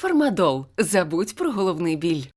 Фармадол. Забудь про головний біль.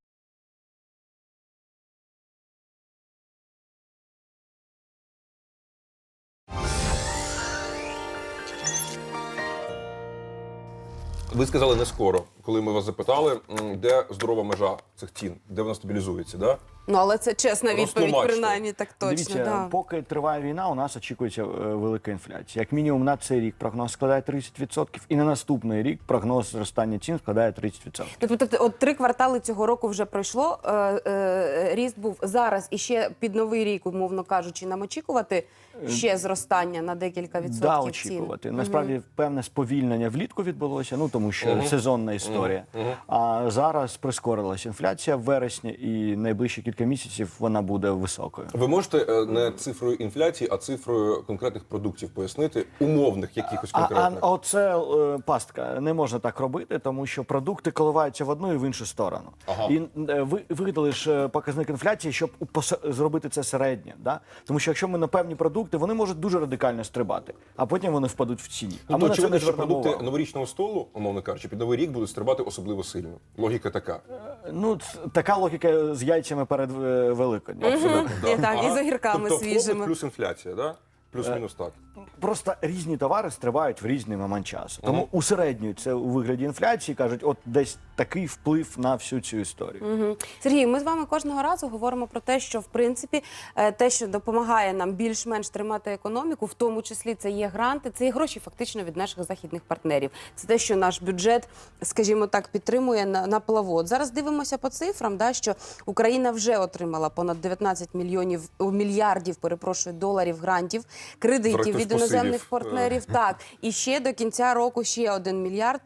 Ви сказали не скоро, коли ми вас запитали, де здорова межа цих цін, де вона стабілізується, да? Ну, але це чесна відповідь, Розтлумачте. принаймні, так точно. Дивіться, Да. поки триває війна, у нас очікується велика інфляція. Як мінімум на цей рік прогноз складає 30%, і на наступний рік прогноз зростання цін складає 30%. Тобто, от 3 квартали цього року вже пройшло, ріст був зараз і ще під Новий рік, умовно кажучи, нам очікувати ще зростання на декілька відсотків Да, цін? очікувати. Насправді, певне сповільнення влітку відбулося, ну тому що сезонна історія. А зараз прискорилась інфляція в вересні, і найближчі кілька місяців вона буде високою. Ви можете не цифрою інфляції, а цифрою конкретних продуктів пояснити, умовних якихось конкретних? Оце пастка. Не можна так робити, тому що продукти коливаються в одну і в іншу сторону. Ага. І ви видали ж показник інфляції, щоб зробити це середнє. Да? Тому що якщо ми на певні продукти, вони можуть дуже радикально стрибати, а потім вони впадуть в ціні. А Тобто, ми на це не очевидно, що звернемо продукти увагу. новорічного столу, умовно кажучи, під Новий рік будуть стрибати особливо сильно. Логіка така. Ну, така логіка з яйцями перед Великоднем. І так, і з огірками тобто, свіжими. попит плюс інфляція, да? Плюс-мінус так. Просто різні товари стрибають в різний момент часу. Тому усереднюють це у вигляді інфляції, кажуть, от десь такий вплив на всю цю історію. Сергій, ми з вами кожного разу говоримо про те, що в принципі те, що допомагає нам більш-менш тримати економіку, в тому числі це є гранти, це є гроші фактично від наших західних партнерів. Це те, що наш бюджет, скажімо так, підтримує на плаву. От зараз дивимося по цифрам, да, що Україна вже отримала понад 19 мільярдів доларів грантів, кредитів від іноземних партнерів. Так, і ще до кінця року ще 1 мільярд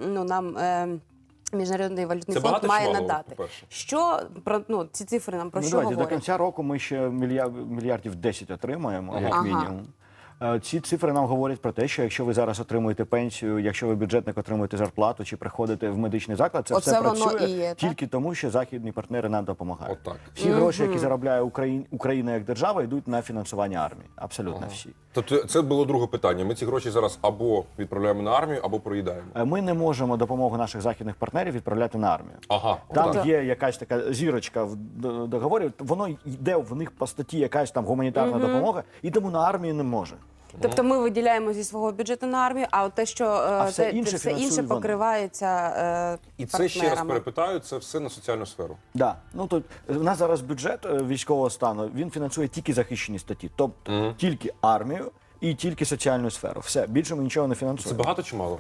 нам Міжнародний валютний Це фонд багато чи має мало, надати. по-перше? Що про ці цифри нам про що Давайте, до говорять? кінця року ми ще мільярдів 10 отримаємо, як Ага. мінімум. Ці цифри нам говорять про те, що якщо ви зараз отримуєте пенсію, якщо ви бюджетник отримуєте зарплату чи приходите в медичний заклад, це Оце все воно працює і є, так? тільки тому, що західні партнери нам допомагають. Отак. Всі гроші, які заробляє Україна як держава, йдуть на фінансування армії. Абсолютно всі. Тобто це було друге питання. Ми ці гроші зараз або відправляємо на армію, або проїдаємо. Ми не можемо допомогу наших західних партнерів відправляти на армію. Ага. Там отак. є якась така зірочка в договорі, воно йде в них по статті якась там гуманітарна допомога, і тому на армію не може. Тобто ми виділяємо зі свого бюджету на армію, а от те, що все інше все інше фінансують вони. покривається І це ще раз партнерами. перепитаю, це все на соціальну сферу. Да. Ну, то, у нас зараз бюджет військового стану, він фінансує тільки захищені статті, тобто тільки армію і тільки соціальну сферу. Все, більше ми нічого не Це фінансуємо. багато чи мало?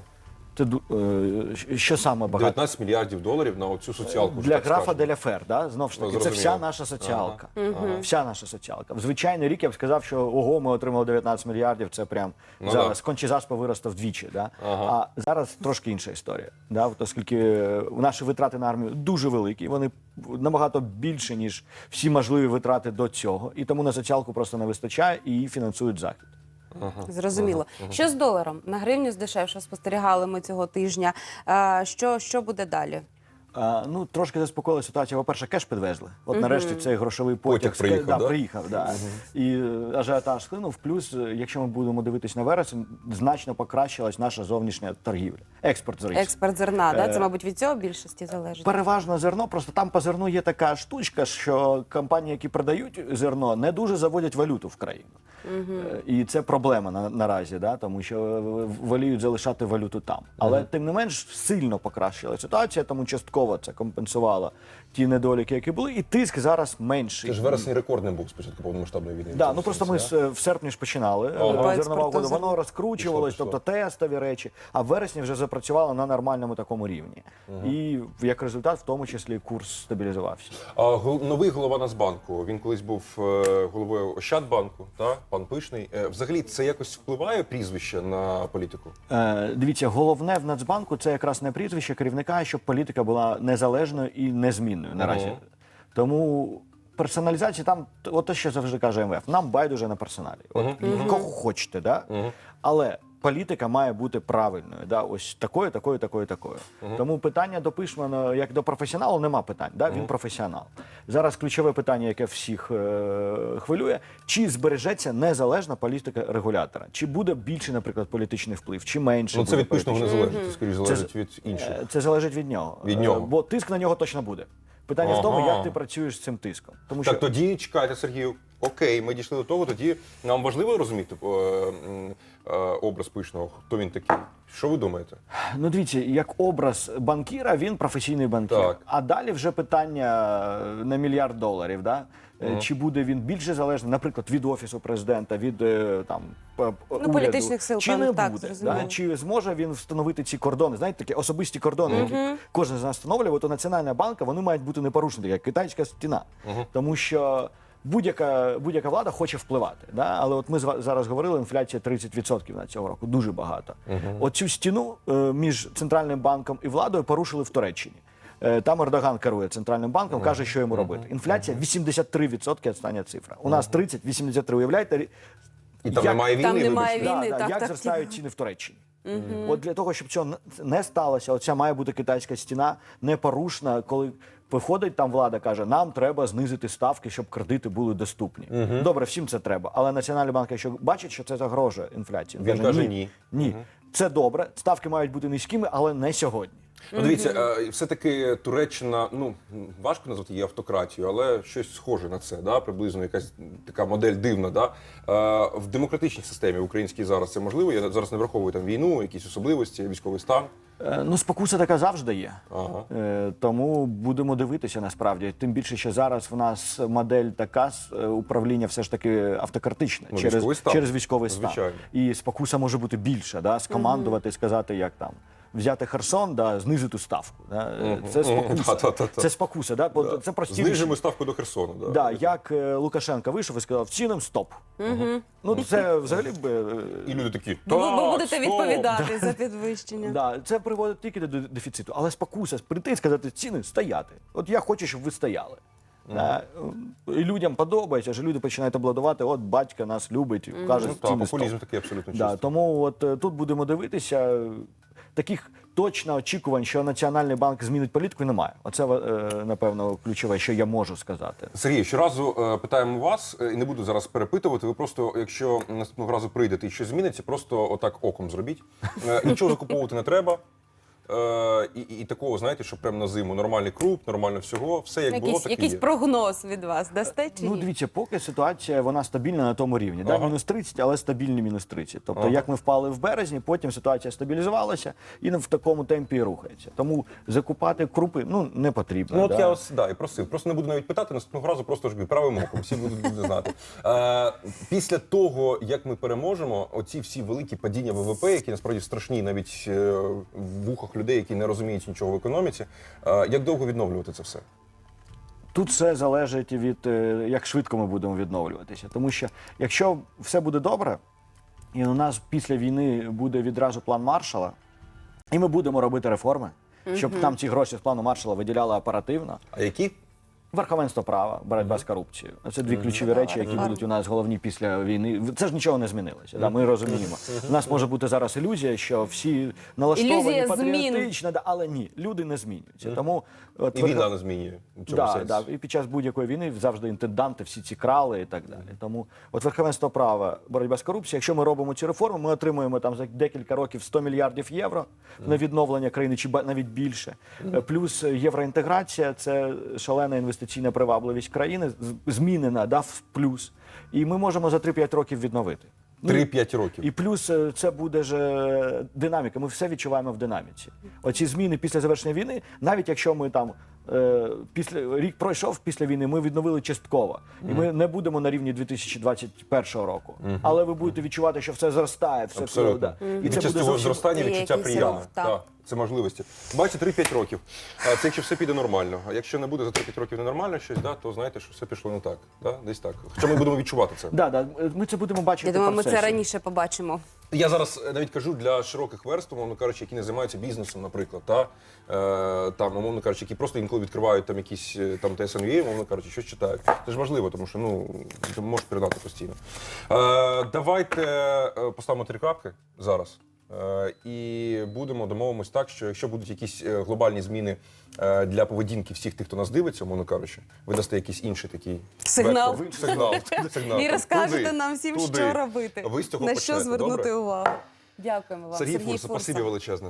Що саме багато? 19 мільярдів доларів на оцю соціалку. вже Для так графа скажемо. Деля Фер, да? Знов ж таки, це зрозуміло. вся наша соціалка. Вся наша соціалка. В звичайний рік я б сказав, що ого, ми отримали 19 мільярдів, це прям зараз. Кончезаспа виросте вдвічі. Да? А зараз трошки інша історія. Да? От оскільки наші витрати на армію дуже великі, вони набагато більше, ніж всі можливі витрати до цього. І тому на соціалку просто не вистачає, і її фінансують Захід. Зрозуміло. Що з доларом? На гривню здешевше спостерігали ми цього тижня. Що буде далі? Ну, трошки заспокоїла ситуація. По-перше, кеш підвезли. От нарешті цей грошовий потяг приїхав, да? приїхав. Да. І ажіотаж схлинув. Плюс, якщо ми будемо дивитись на вересень, значно покращилась наша зовнішня торгівля. Експорт зріс. Експорт зерна, да? Це, мабуть, від цього більшості залежить? Переважно зерно, просто там по зерну є така штучка, що компанії, які продають зерно, не дуже заводять валюту в країну. І це проблема наразі, да? Тому що воліють залишати валюту там. Але тим не менш сильно покращила ситуація, тому частково це компенсувало ті недоліки, які були, і тиск зараз менший. Це ж вересень рекордним був спочатку повномасштабної війни. Да, ну просто ми в серпні ж починали По зернова експорту угода, зерна. воно розкручувалось, Пішло. тобто тестові речі, а в вересні вже запрацювало на нормальному такому рівні. І як результат, в тому числі, курс стабілізувався. Новий голова Нацбанку, він колись був головою Ощадбанку, пан Пишний. Взагалі, це якось впливає прізвище на політику? Дивіться, головне в Нацбанку – це якраз не прізвище керівника, а щоб політика була незалежною і незмінною наразі. Тому персоналізація там, от те, що завжди каже МВФ, нам байдуже на персоналі. От, кого хочете, да? Але політика має бути правильною. Да? Ось такою, такою, такою, такою. Тому питання до Пишмана, як до професіоналу, нема питань. Да? Він професіонал. Зараз ключове питання, яке всіх хвилює, чи збережеться незалежна політика регулятора? Чи буде більший, наприклад, політичний вплив, чи менше? Ну, це буде від Пишного не політичний? залежить, це скоріш залежить від інших. Це залежить від нього. Від нього. Бо тиск на нього точно буде. Питання в тому, як ти працюєш з цим тиском. Тому Так, тоді чекайте, Сергію. Окей, ми дійшли до того, тоді нам важливо розуміти образ Пишного, хто він такий. Що ви думаєте? Ну, дивіться, як образ банкіра, він професійний банкір. Так. А далі вже питання на $1 мільярд. Да? Чи буде він більше залежний, наприклад, від Офісу президента, від уряду, політичних сил, чи певно, не так, буде? зрозуміло. Да? Чи зможе він встановити ці кордони? Знаєте, такі особисті кордони, які кожен з нас встановлює, то Національна банка, вони мають бути непорушені, як китайська стіна. Тому що будь-яка влада хоче впливати. Да? Але от ми зараз говорили, інфляція 30% на цього року, дуже багато. Оцю стіну між Центральним банком і владою порушили в Туреччині. Там Ердоган керує Центральним банком, каже, що йому робити. Інфляція 83% остання цифра. У нас 30, 83, уявляєте? І там немає війни, Там немає вибачте. війни. так, як так, зростають ціни в Туреччині. От для того, щоб цього не сталося, оця має бути китайська стіна непорушна, коли виходить там влада, каже, нам треба знизити ставки, щоб кредити були доступні. Добре, всім це треба. Але Національний банк, якщо бачить, що це загрожує інфляції, Він каже ні. Ні. Це добре, ставки мають бути низькими, але не сьогодні. Ну, дивіться, все-таки Туреччина, ну, важко назвати її автократією, але щось схоже на це, да? Приблизно якась така модель дивна. Да? В демократичній системі українській зараз це можливо? Я зараз не враховую там війну, якісь особливості, військовий стан. Ну, спокуса така завжди є. Ага. Тому будемо дивитися насправді. Тим більше, що зараз в нас модель така управління все ж таки автократичне Ну, військовий стан. через військовий стан. Звичайно. І спокуса може бути більша, да? Скомандувати, сказати, як там. Взяти Херсон, да, знизити ставку. Да? Це спокуса. Та-та-та-та. Це спокуса, да? Бо це простіше. Знижимо ставку до Херсону. Да. Да, як Лукашенко вийшов і сказав, цінам стоп. Ну, це взагалі І люди такі, Ви так, будете стоп. відповідати за підвищення. Да, це приводить тільки до дефіциту. Але спокуса прийти і сказати, ціни стояти. От я хочу, щоб ви стояли. Да? І людям подобається, що люди починають аплодувати, от батько нас любить, каже, Ну, так, ціни популізм стоп. такий абсолютно Да, чистий. тому от тут будемо дивитися. Таких точно очікувань, що Національний банк змінить політику, немає. Оце, напевно, ключове, що я можу сказати. Сергій, щоразу питаємо вас, і не буду зараз перепитувати, ви просто, якщо наступного разу прийдете і щось зміниться, просто отак оком зробіть. Нічого закуповувати не треба. І такого, знаєте, що прямо на зиму нормальний круп, нормально всього, все як було, так і Якийсь є. прогноз від вас дасте чи Ну, ні? дивіться, поки ситуація, вона стабільна на тому рівні. Да? Ага. Мінус 30, але стабільні мінус 30. Тобто, як ми впали в березні, потім ситуація стабілізувалася і в такому темпі і рухається. Тому закупати крупи, не потрібно. Ну, от да? я ось, і просив. Просто не буду навіть питати, наступного разу просто ж правим оком, всі будуть знати. Після того, як ми переможемо, оці всі великі падіння ВВП, які насправді страшні навіть в вухах людей, які не розуміють нічого в економіці, як довго відновлювати це все? Тут все залежить від як швидко ми будемо відновлюватися. Тому що якщо все буде добре, і у нас після війни буде відразу план Маршалла, і ми будемо робити реформи, щоб там ці гроші з плану Маршалла виділяли оперативно. А які? Верховенство права, боротьба з корупцією. Це дві ключові речі, які будуть у нас головні після війни. Це ж нічого не змінилося. Да? Ми розуміємо. У нас може бути зараз ілюзія, що всі налаштовані Ілюзія змін. патріотично, але ні, люди не змінюються. Тому от І війна не змінює в цьому Да, сенсі. да. І під час будь-якої війни завжди інтенданти всі ці крали і так далі. Тому от верховенство права, боротьба з корупцією, якщо ми робимо ці реформи, ми отримуємо там за декілька років 100 мільярдів євро на відновлення країни, чи навіть більше. Плюс євроінтеграція, це шалена інвестиційна привабливість країни, змінена, да, в плюс. І ми можемо за 3-5 років відновити. 3-5 років. І плюс це буде ж динаміка. Ми все відчуваємо в динаміці. Оці зміни після завершення війни, навіть якщо ми там рік пройшов після війни, ми відновили частково. І ми не будемо на рівні 2021 року. Але ви будете відчувати, що все зростає, все Абсолютно. да. І це цього зростання Є відчуття якийсь приємне. рух, так. Так, це можливості. Бачите, 3-5 років. Це якщо все піде нормально. А якщо не буде за 3-5 років ненормально щось, то знаєте, що все пішло не так. Да? Десь так. Хоча ми будемо відчувати це. Да, ми це будемо бачити. Я думаю, в ми це процесі. раніше побачимо. Я зараз навіть кажу для широких верств, умовно кажучи, які не займаються бізнесом, наприклад, там, умовно кажучи, які просто інколи відкривають там якісь там ТСНЮ, умовно кажучи, щось читають. Це ж важливо, тому що ти можеш передати постійно. Давайте поставимо 3 крапки зараз. І домовимось так, що якщо будуть якісь глобальні зміни для поведінки всіх тих, хто нас дивиться, умовно кажучи, ви дасте якийсь інший такий Сигнал. сигнал. І розкажете Туди, нам всім, туди. що робити, Ви з цього на почнете, що звернути добре? увагу. Дякуємо вам, Сергій Фурса, спасибі величезне.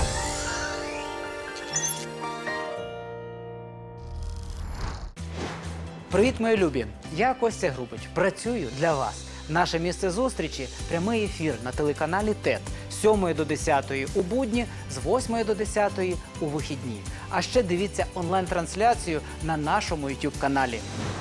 Привіт, мої любі! Я Костя Грубич. Працюю для вас. Наше місце зустрічі – прямий ефір на телеканалі ТЕТ з 7 до 10 у будні, з 8 до 10 у вихідні. А ще дивіться онлайн-трансляцію на нашому YouTube-каналі.